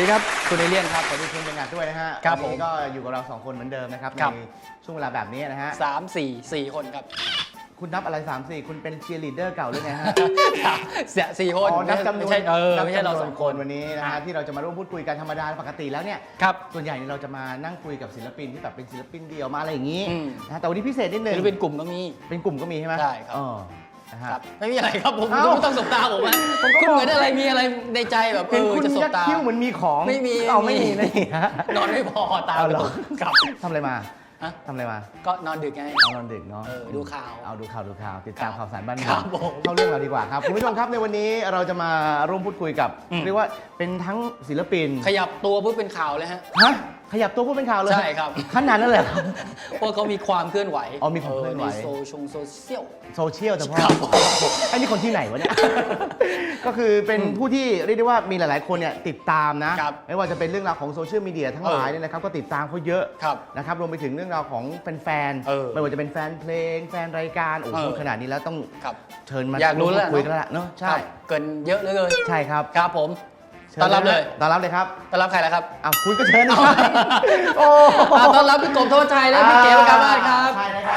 ดีครับคุณเอเลียนครับสวัสดีคุณเป็นงานด้วยนะฮะครับวันนี้ก็อยู่กับเรา2คนเหมือนเดิมนะครับในช่วงเวลาแบบนี้นะฮะ 4 คนครับคุณนับอะไร3-4คุณเป็นเชียร์ลีดเดอร์เก่าหรือไงฮะ 4 คนอ๋อนับจำนวนไม่ใช่ไม่ใช่เรา2 คนวันนี้นะฮะที่เราจะมาร่วมพูดคุยกันธรรมดาปกติแล้วเนี่ยครับส่วนใหญ่เราจะมานั่งคุยกับศิลปินที่แบบเป็นศิลปินเดียวมาอะไรอย่างนี้อืมนะฮะแต่วันนี้พิเศษนิดนึงหรือเป็นกลุ่มก็มีเป็นกลุ่มก็มีใช่ไหมใช่ครับนะฮะครับไม่มีอะไรครับผมเอ้าไม่ต้องสบตาผมนะผมก็คุณเหมือนอะไรมีอะไรในใจแบบเห็นคุณจะสบยักตาคิ้วเหมือนมีของไม่มีเอาไม่มีนะฮะนอนไม่พอตาเอากเหรระอตุกครับทำอะไรมาฮะทำอะไรมาก็นอนดึกไงเอานอนดึกเนาะดูข่าวเอาดูข่าวติดตามข่าวสารบ้านครัเมืองบผมเข้าเรื่องเราดีกว่าครับคุณผู้ชมครับในวันนี้เราจะมาร่วมพูดคุยกับ เรียกว่าเป็นทั้งศิลปินขยับตัวเพื่อเป็นข่าวเลยฮะฮะขยับตัวพูดเป็นข่าวเลยใช่ครับขนาดนั้นเลยเหรอเพราะเขามีความเคลื่อนไหวอ๋อมีความเคลื่อนไหวในโซเชียลโซเชียลแต่พอครับไอ้นี่คนที่ไหนวะเนี่ย ก็คือเป็นผู้ที่เรียกได้ว่ามีหลาย ๆ คนเนี่ยติดตามนะครับไม่ว่าจะเป็นเรื่องราวของโซเชียลมีเดียทั้งหลายเนี่ยนะครับก็ติดตามเขาเยอะครับนะครับรวมไปถึงเรื่องราวของแฟนเออๆไม่ว่าจะเป็นแฟนเพลงแฟนรายการโอ้โหเออขนาดนี้แล้วต้องครับเชิญมาอยากรู้แล้วคุยกันแล้วล่ะเนาะใช่ครับเกินเยอะเหลยใช่ครับครับผมชิญต้อนรับเลยต้อนรับเลยครับต้อนรับใครล่ะครับอ้าวคุณก็เชิญนะครับโอ้ต้อนรับพี่กบโทษชัยและพี่เก๋ประกาบ้านครับใช่นะครับ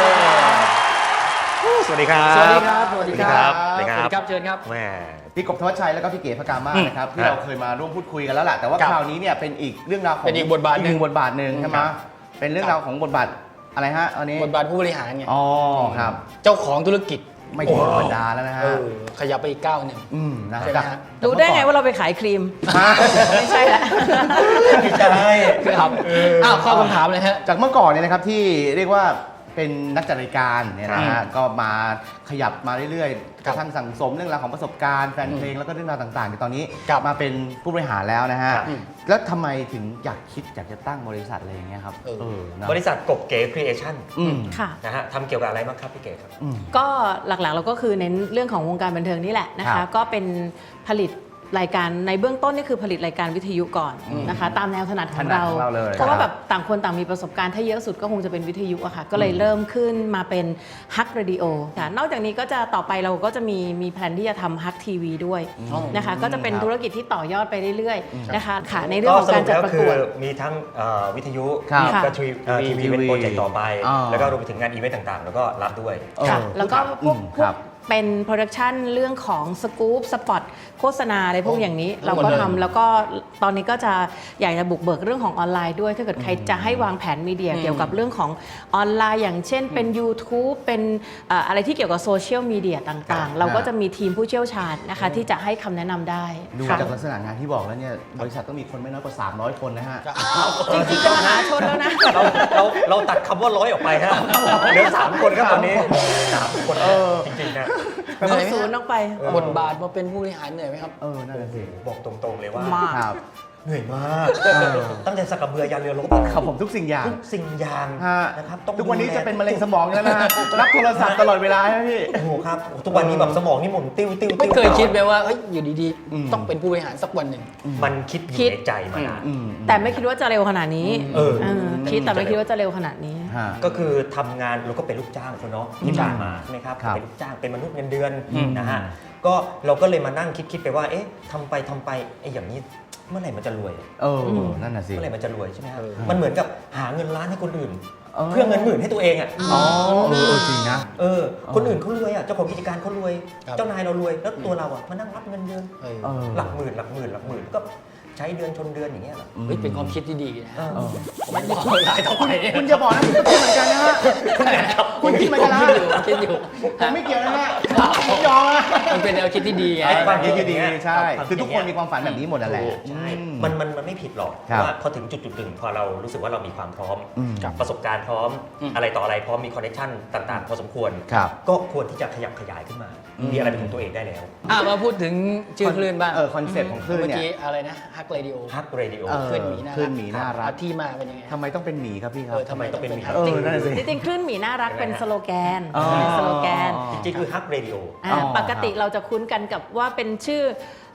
สวัสดีครับสวัสดีครับ สวัสดีครับสวัสดีครับสวัสดีครับ เชิญครับแหม่พี่กบธวัชชัยแล้วก็พี่เก๋พกามาศนะครับที่ครับเราเคยมาร่วมพูดคุยกันแล้วล่ะแต่ว่าครับคราวนี้เนี่ยเป็นอีกเรื่องราวของเป็นอีกบทบาทหนึ่งบทบาทหนึ่งใช่ไหมครับเป็นเรื่องราวของบทบาทอะไรฮะอันนี้บทบาทผู้บริหารไงอ๋อครับเจ้าของธุรกิจไม่ธรรมดาแล้วนะฮะขยับไปอีกก้าวหนึ่งนะใช่ไหมจากฮะรู้ได้ไงว่าเราไปขายครีม ไม่ใช่ละไม่ใช่ครับอ้าวข้อคำถามเลยฮะจากเมื่อก่อนเนี่ยนะครับที่เรียกว่าเป็นนักจัดรายการเนี่ยนะฮะก็มาขยับมาเรื่อยๆคกรับระทั่งสั่งสมเรื่องราวของประสบการณ์แฟนเพลงแล้วก็เรื่องราวต่างๆในตอนนี้ครับมาเป็นผู้บริหารแล้วนะฮะครับแล้วทำไมถึงอยากคิดอยากจะตั้งบริษัทอะไรอย่างเงี้ยครับนะบริษัทกบเก๋ครีเอชั่นอืมค่ะนะฮะทำเกี่ยวกับอะไรบ้างครับพี่เก๋ครับก็หลักๆเราก็คือเน้นเรื่องของวงการบันเทิงนี่แหละนะครัคะบก็เป็นผลิตรายการในเบื้องต้นนี่คือผลิตรายการวิทยุก่อนนะคะ ตามแนวถนัดของเราถนัดของเราเลยเพราะว่าแบบต่างคนต่างมีประสบการณ์ถ้าเยอะสุดก็คงจะเป็นวิทยุอะค่ะ ก็เลยเริ่มขึ้นมาเป็นฮักเรดิโอค่ะนอกจากนี้ก็จะต่อไปเราก็จะมีแผนที่จะทำฮักทีวีด้วยนะคะ ก็จะเป็นธุรกิจที่ต่อยอดไปเรื่อยๆนะคะค่ะในเรื่องของการจัดประกวดมีทั้งวิทยุครับมีก็ทีวีเป็นโปรเจกต์ต่อไปอ่าแล้วก็รวมไปถึงงานอีเวนต์ต่างๆ แล้วก็รับด้วยค่ะ แล้วก็พวกครับเป็นโปรดักชันเรื่องของสกู๊ปสปอตโฆษณาอะไรพวกอย่างนี้เราก็หมดเลยทำแล้วก็ตอนนี้ก็จะอยากจะบุกเบิกเรื่องของออนไลน์ด้วยถ้าเกิดใครจะให้วางแผนมีเดียเกี่ยวกับเรื่องของออนไลน์อย่างเช่นเป็น YouTube เป็นอะไรที่เกี่ยวกับโซเชียลมีเดียต่างๆ เราก็จะมีทีมผู้เชี่ยวชาญนะคะที่จะให้คำแนะนำได้ดูค่ะจากลักษณะงานที่บอกแล้วเนี่ยบริษัทต้องมีคนไม่น้อยกว่า300 คนนะฮะจริงๆก็มหาชนแล้วนะเราตัดคำว่าร้อยออกไปฮะเหลือ3 คนครับตอนนี้3 คนจริงๆนะเหนื่เอาอยไหมศูนย์ออกไปบทบาทมาเป็นผู้บริหารเหนื่อยไหมครับนั่นแหละสิบอกตรงๆเลยว่ามากครับเหนื่อยมากตั้งแต่สักกระเบือยันเรือรบครับผมทุกสิ่งอย่างทุกสิ่งอย่างฮะนะครับต้องทุกวันนี้ดูแลจะเป็นมะเร็งสมองแล้วนะฮะรับโทรศัพท์ตลอดเวลาใช่ไหมพี่โอ้โหครับทุกวันนี้แบบสมองนี่หมุนติ้วติ้วไม่เคยคิดไหมว่าเฮ้ยอยู่ดีอืมๆ ต้องเป็นผู้บริหารสักวันหนึ่งมันคิดอคิยู่ดในใจมานานแต่ไม่คิดว่าจะเร็วขนาดนี้เออคิดแต่ไม่คิดว่าจะเร็วขนาดนี้ฮะก็คือทำงานเราก็เป็นลูกจ้างคนเนาะที่ผ่านมาใช่ไหมครับครับเป็นลูกจ้างเป็นมนุษย์เงินเดือนอืมนะฮะก็เราก็เลยมานั่งคิดไปว่าเอ๊ะทำไปไอ้อย่างนี้เมื่อไหร่มันจะรวยนั่นน่ะสิเมื่อไหร่มันจะรวยใช่ไหมครับเออมันเหมือนกับหาเงินล้านให้คนอื่นเออเพื่อเงินหมื่นให้ตัวเองอ่ะอ๋อจริงนะคนอื่นเขารวยอ่ะเจ้าของกิจการเขารวยครับเจ้านายเรารวยแล้วตัวเราอ่ะมานั่งรับเงินเดือนเออหลักหมื่นก็ใช้เดือนชนเดือนอย่างเงี้ยเหรอเฮ้ยเป็นความคิดที่ดีนะฮะเออไม่บอกรายต่อไปเนี่ยคุณอย่าบอกนะผมก็คิดเหมือนกันนะฮะ คุณคิดเหมือนกันนะคิดอยู่ผมไม่เกี่ยวนะฮะผมยอมนะมันเป็นแนวคิดที่ดีไงไอ้ความคิดดีใช่ความคิดคือทุกคนมีความฝันแบบนี้หมดนั่นแหละใช่อืมมันไม่ผิดหรอกครับว่าพอถึงจุดหนึ่งพอเรารู้สึกว่าเรามีความพร้อมอืมกับประสบการณ์พร้อม อะไรต่ออะไรพร้อมมีคอนเนคชั่นต่างๆ พอสมควรครับก็ควรที่จะขยับขยายขึ้นมา มีอะไรเป็นของตัวเองได้แล้วมาพูดถึงชื่อคลื่นบ้างคอนเซ็ปต์ของคลื่นเมื่อเนี่ยกี้อะไรนะฮักเรดิโอฮักเรดิโอคลื่นหมีน่ารักคลื่นหมีน่ารักที่มาเป็นยังไงทำไมต้องเป็นหมีครับพี่ครับทำไมต้องเป็นหมีนั่นน่ะสิจริงๆคลื่นหมีน่ารักเป็นสโลแกนอ๋อเป็นสโลแกนจริงๆคือฮักเรดิโอปกติเราจะคุ้นกันกับว่าเป็นชื่อ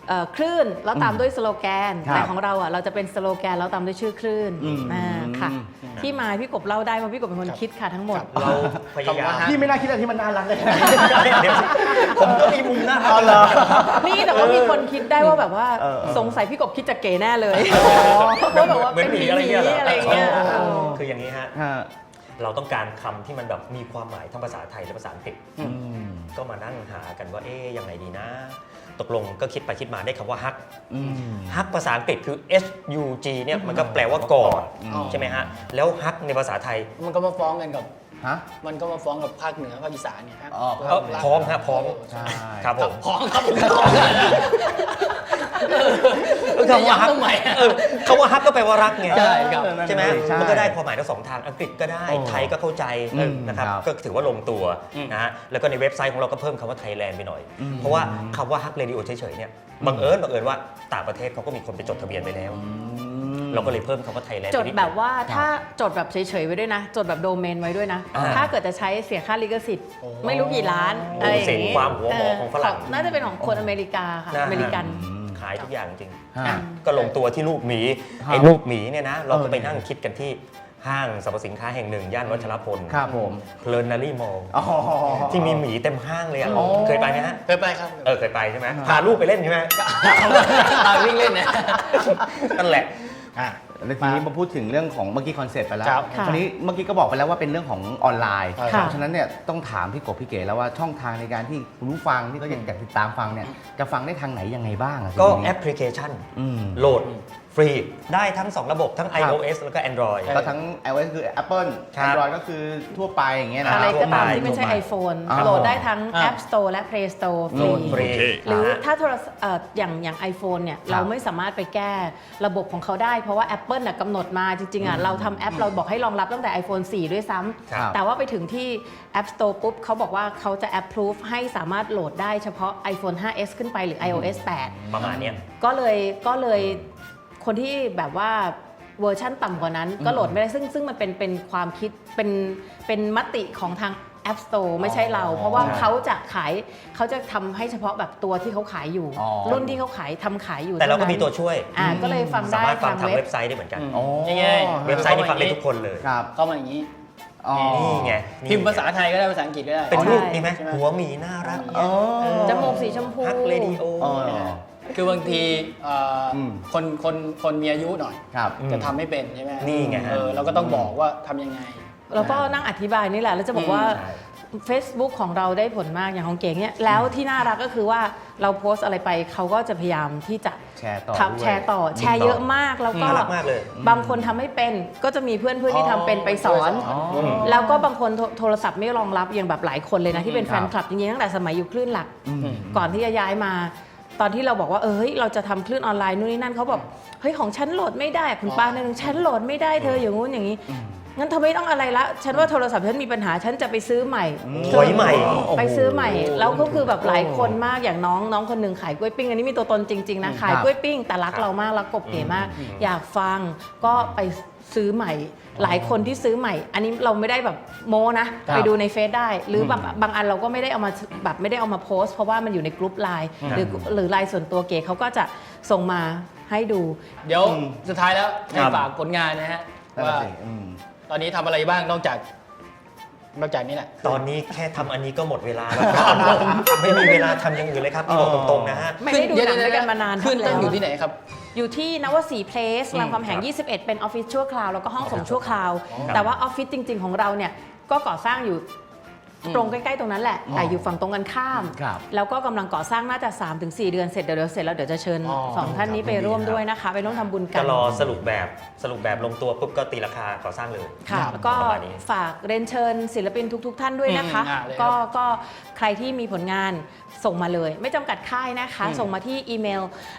คลื่นแล้วตามด้วยสโลแกนครับแต่ของเราอ่ะเราจะเป็นสโลแกนแล้วตามด้วยชื่อคลื่นค่ะที่มาพี่กบเล่าได้เพราะพี่กบเป็นคนคิดค่ะทั้งหมดเราพยายามพี่ไม่น่าคิดอะไรที่มันน่ารักเลยผมก็มีมุมน่ารักเอาเหรอนี่แต่ว่ามีคนคิดได้ว่าแบบว่า สงสัยพี่กบคิดจะเก๋แน่เลยเพราะแบบว่าเป็นหมีอะไรเงี้ยคืออย่างนี้ฮะฮะเราต้องการคำที่มันแบบมีความหมายทั้งภาษาไทยและภาษาอังกฤษอืมก็มานั่งหากันว่ายังไงดีนะ ตกลงก็คิดไปคิดมาได้คำว่าฮักอืมฮักภาษาอังกฤษคือ HUG เนี่ยมันก็แปลว่ากอดอ๋อใช่ไหมฮะ แล้วฮักในภาษาไทยมันก็มาฟ้องกันกับฮะมันก็มาฟ้องกับภาคเหนือภาคอีสานเนี่ยครับอ๋อพร้อมฮะพร้อมใช่ครับผมฟ้องครับผมฟ้องคำว่าฮักทำไมคำว่าฮักก็แปลว่ารักไงใช่ครับใช่ไหมใช่มันก็ได้ความหมายทั้งสองทางอังกฤษก็ได้ ไทยก็เข้าใจนะครับครับก็ถือว่าลงตัวนะฮะแล้วก็ในเว็บไซต์ของเราก็เพิ่มคำว่าไทยแลนด์ไปหน่อย เพราะว่าคำว่าฮักเรดิโอเฉยๆเนี่ยบังเอิญว่าต่างประเทศเขาก็มีคนไปจดทะเบียนไปแล้ว เราก็เลยเพิ่มคำว่าไทยแลนด์จดแบบว่าถ้าจดแบบเฉยๆไว้ด้วยนะ จดแบบโดเมนไว้ด้วยนะ ถ้าเกิดจะใช้เสียค่าลิขสิทธิ์ไม่รู้กี่ล้านอะไรอย่างเสียงงี้ความหัวหมอของฝรั่งน่าจะเป็นของคนอเมริกาค่ะนะฮะอเมริกันขายทุกอย่างจริงฮะก็ลงตัวที่รูปหมีครับไอ้รูปหมีเนี่ยนะเราก็ไปนั่งคิดกันที่ห้างสรรพสินค้าแห่งหนึ่งย่านวัชรพลครับผมเพลินนารีมอลอ๋อที่มีหมีเต็มห้างเลยอ่ะอ๋อเคยไปไหมฮะเคยไปครับเคยไปใช่ไหมพาลูกไปเล่นใช่ไหมวิ่งเล่นนะนั่นแหละแล้วทีนี้มาพูดถึงเรื่องของเมื่อกี้คอนเซ็ปต์ไปแล้วครับทีนี้เมื่อกี้ก็บอกไปแล้วว่าเป็นเรื่องของออนไลน์ค่ะเพราะฉะนั้นเนี่ยต้องถามพี่กบพี่เก๋แล้วว่าช่องทางในการที่คุณผู้ฟังที่เขาอยากติดตามฟังเนี่ยจะฟังได้ทางไหนยังไงบ้างอะก็ทีนี้แอปพลิเคชันอืมโหลดฟรีได้ทั้ง 2 ระบบทั้ง iOS แล้วก็ Android ก็ทั้ง iOS คือ Apple ครับ Android ก็คือทั่วไปอย่างเงี้ยนะอะไรก็ตามทั่วไปที่ไม่ใช่ iPhone อ่าโหลดได้ทั้ง App Store และ Play Store ฟโหลรีดฟรีหรือนะฮะถ้าโทรศัพท์อย่าง iPhone เนี่ยเราไม่สามารถไปแก้ระบบของเขาได้ เพราะว่า Apple น่ะกำหนดมาจริงๆอ่ะเราทำแอปเราบอกให้รองรับตั้งแต่ iPhone 4 ด้วยซ้ครับำแต่ว่าไปถึงที่ App Store ปุ๊บเขาบอกว่าเขาจะ approve ให้สามารถโหลดได้เฉพาะ iPhone 5s ขึ้นไปหรือ iOS 8 ประมาณเนี้ยก็เลยคนที่แบบว่าเวอร์ชั่นต่ำกว่านั้นก็โหลดไม่ได้ซึ่งมันเป็นความคิดเป็นมติของทาง App Store ไม่ใช่เรา เพราะว่าเขาจะทำให้เฉพาะแบบตัวที่เขาขายอยู่อ๋อรุ่นที่เขาขายอยู่แต่เราก็ท่นั้นมีตัวช่วยก็เลยฟังสาได้มารถฟังทางเว็เว็บบไซต์ได้เหมือนกันอ๋อง่ายเว็บไซต์นี่ฟังได้ทุกคนเลยครับเข้ามาอย่างนี้อ๋อนี่ไงพิมพ์ภาษาไทยก็ได้ภาษาอังกฤษก็ได้เป็นรูปใช่นี่ไหมใช่ไหมหัวหมีน่ารักอ๋อจมูกสีชมพูฮักเรดิโออ๋อคือบางทีมคนมีอายุหน่อยครับจะทำไม่เป็นใช่ไหมนี่ไงฮะเราก็ต้องบอกว่าทำยังไงแล้วก็นั่งอธิบายนี่แหละ แล้วจะบอกว่าใช่ Facebook ของเราได้ผลมากอย่างของเก๋เนี่ยแล้วที่น่ารักก็คือว่าเราโพสต์อะไรไปเขาก็จะพยายามที่จะแชร์ต่อทับด้วยแชร์ต่อแชร์เยอะมากแล้วก็น่ารักมากเลยบางคนทำไม่เป็นก็จะมีเพื่อนที่ทำเป็นไปสอนอ๋อแล้วก็บางคนโทรศัพท์ไม่รองรับอย่างแบบหลายคนเลยนะที่เป็นคแฟรับนคลับจริงๆตั้งแต่สมัยอยู่คลื่นหลักอืมก่อนที่จะย้ายมา ตอนที่เราบอกว่าเฮ้ยเราจะทำคลื่นออนไลน์นู่นนี่นั่นเขาบอกเฮ้ยของฉันโหลดไม่ได้คุณป้าเนี่ยฉันโหลดไม่ได้เธออย่างงู้นอย่างนี้งั้นเธอไม่ต้องอะไรละฉันว่าโทรศัพท์ฉันมีปัญหาฉันจะไปซื้อใหม่ถอยใหม่ไปซื้อใหม่แล้วก็คือแบบหลายคนมากอย่างน้องคนหนึ่งขายกล้วยปิ้งอันนี้มีตัวตนจริงๆนะขายกล้วยปิ้งแต่รักเรามากรักกบเก๋มาก อยากฟังก็ไปซื้อใหม่ หลายคนที่ซื้อใหม่ อันนี้เราไม่ได้แบบโม้นะ ไปดูในเฟซได้ หรือบางอันเราก็ไม่ได้เอามาแบบไม่ได้เอามาโพสต์เพราะว่ามันอยู่ในกลุ่มไลน์หรือไลน์ส่วนตัวเก๋เขาก็จะส่งมาให้ดูเดี๋ยวสุดท้ายแล้วคให้รับฝากผลงานนะฮะนั่นว่าน่ะสิอืมตอนนี้ทำอะไรบ้างนอกจากนี้แหละตอนนี้แค่ทำอันนี้ก็หมดเวลาแล้วไม่มีเวลาทำอย่างอื่นเลยครับพี่บอกตรงๆนะฮะไม่ได้ดูหนังด้วยกันมานานขึ้นแล้ตั้งวอยู่ที่ไหนครับอยู่ที่นวสีเพลสรามคำแหง 21 เป็นออฟฟิศชั่วคราว แล้วก็ห้องส่งชั่วคราว แต่ว่าออฟฟิศจริง ๆ ของเราเนี่ยก็ก่อสร้างอยู่ตรงใกล้ๆตรงนั้นแหละ แต่อยู่ฝั่งตรงกันข้ามครับแล้วก็กำลังก่อสร้างน่าจะ 3-4 เดือนเสร็จเดี๋ยวเสร็จแล้วเดี๋ยวจะเชิญอ๋อสองท่านนี้ไปร่วมด้วยนะคะไปร่วมทำบุญกัก็นรอสรุปแบบลงตัวปุ๊บก็ตีราคาก่อสร้างเลยค่ะครับแล้วก็ประมาณนี้ฝากเรียนเชิญศิลปินทุก ๆ ท่านด้วยนะคะเลยครับก็ใครที่มีผลงานส่งมาเลย ไม่จำกัดค่ายนะคะ ส่งมาที่อีเมล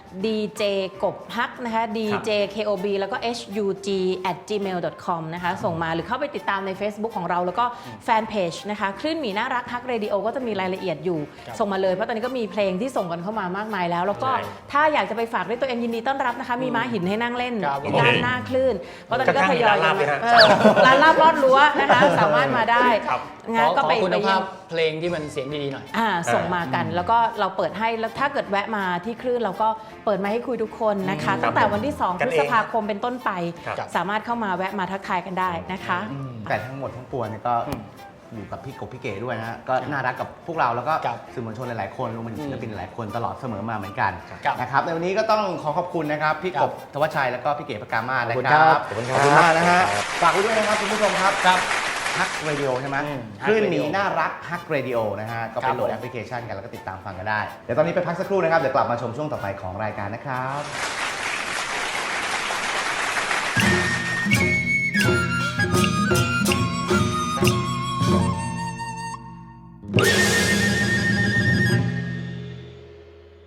dj กบฮักนะคะ djkob แล้วก็ hug@gmail.com นะคะ ส่งมาหรือเข้าไปติดตามใน Facebook ของเราแล้วก็แฟนเพจนะคะคลื่นนหมีน่ารักฮักเรดิโอก็จะมีรายละเอียดอยู่ครับส่งมาเลยเพราะตอนนี้ก็มีเพลงที่ส่งกันเข้ามามากมายแล้วแล้วก็ใช่ถ้าอยากจะไปฝากด้วยตัวเองยินดีต้อนรับนะคะมีม้าหินให้นั่งเล่นครับด้านหน้าคลื่นเพราะตอนนี้ก็ทยอยข้างๆมีร้านลาบด้วยฮะร้านลาบลอดรั้วนะคะสามารถมาได้ครับงั้นขก็อไปคุณไปภาเยี่ยพมเพลงที่มันเสียงดีๆหน่อยส่งมากันแล้วก็เราเปิดให้แล้วถ้าเกิดแวะมาที่คลื่นเราก็เปิดมาให้คุยทุกคนนะคะ ตั้งแต่วันที่ 2 กัพนฤเองษภาคมเป็นต้นไปครับสามารถเข้ามาแวะมาทักทายกันได้นะคะแต่ทั้งหมดทั้งปวงเนี่ยก็อยู่กับพี่กบพี่เก๋ด้วยนะฮะก็น่ารักกับพวกเราแล้วก็ครับสื่อมวลชนหลายๆคนรวมไปถึงศิลปินหลายๆคนตลอดเสมอมาเหมือนกันครับนะครับในวันนี้ก็ต้องขอขอบคุณนะครับพี่ครักบบธวัชชัยแล้วก็พี่เก๋ประกามาศนะขอบคุณคครัรับบขอบคุณขอบคุณครับมากนะฮะครับฝากไว้ด้วยนะครับคุณผู้ชมครับครับฮักเรดิโอใช่ไหมอืมคลื่น Hug หมี Radio น่ารักฮักเรดิโอนะฮะก็ครัไปบโหลดแอปพลิเคชันกันแล้วก็ติดตามฟังกันได้เดี๋ยวตอนนี้ไปพักสักครู่นะครับเดี๋ยวกลับมาชมช่วงต่อไปของรายการนะครับ